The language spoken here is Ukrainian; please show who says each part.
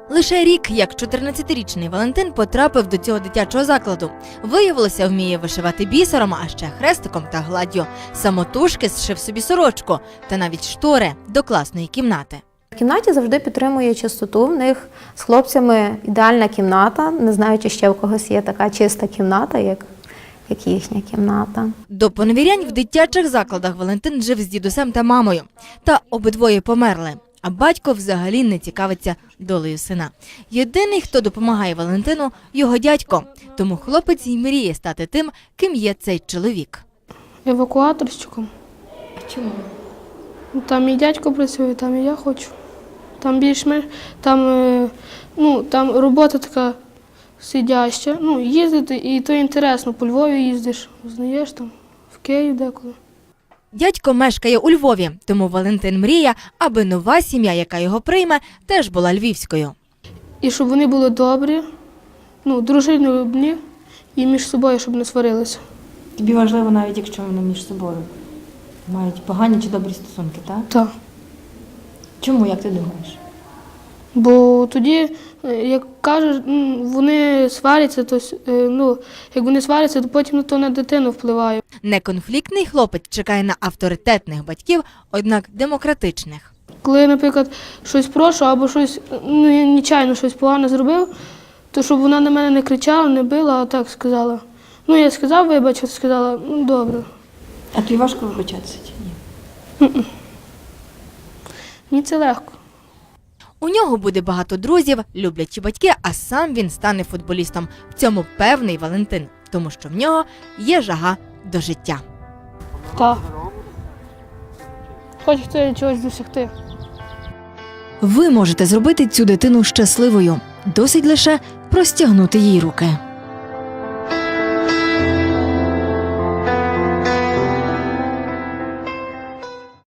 Speaker 1: Лише рік, як 14-річний Валентин потрапив до цього дитячого закладу. Виявилося, вміє вишивати бісером, а ще хрестиком та гладдю. Самотужки зшив собі сорочку та навіть штори до класної кімнати.
Speaker 2: В кімнаті завжди підтримує чистоту. В них з хлопцями ідеальна кімната. Не знаю, чи ще в когось є така чиста кімната, як їхня кімната.
Speaker 1: До поневірянь в дитячих закладах Валентин жив з дідусем та мамою. Та обидвоє померли. А батько взагалі не цікавиться долею сина. Єдиний, хто допомагає Валентину – його дядько. Тому хлопець і мріє стати тим, ким є цей чоловік.
Speaker 3: Евакуаторщиком.
Speaker 2: Чому?
Speaker 3: Там і дядько працює, там і я хочу. Там більш-менш, там робота така сидяща. Їздити, і то інтересно, по Львові їздиш, знаєш, там, в Київ деколи.
Speaker 1: Дядько мешкає у Львові, тому Валентин мріє, аби нова сім'я, яка його прийме, теж була львівською.
Speaker 3: І щоб вони були добрі, дружелюбні і між собою, щоб не сварилися.
Speaker 4: Тобі важливо, навіть якщо вони між собою мають погані чи добрі стосунки, так?
Speaker 3: Так.
Speaker 4: Чому, як ти думаєш?
Speaker 3: Бо тоді, як кажуть, вони сваряться, то як вони сваряться, то потім то на дитину впливає.
Speaker 1: Неконфліктний хлопець чекає на авторитетних батьків, однак демократичних.
Speaker 3: Коли я, наприклад, щось прошу або щось, я нечайно щось погане зробив, то щоб вона на мене не кричала, не била, а так сказала. Я сказав, вибач, сказала, добре.
Speaker 4: А тобі важко вибачатися чи ні?
Speaker 3: Мені це легко.
Speaker 1: У нього буде багато друзів, люблячі батьки, а сам він стане футболістом. В цьому певний Валентин, тому що в нього є жага до життя.
Speaker 3: Так. Хочеться чогось досягти.
Speaker 5: Ви можете зробити цю дитину щасливою. Досить лише простягнути їй руки.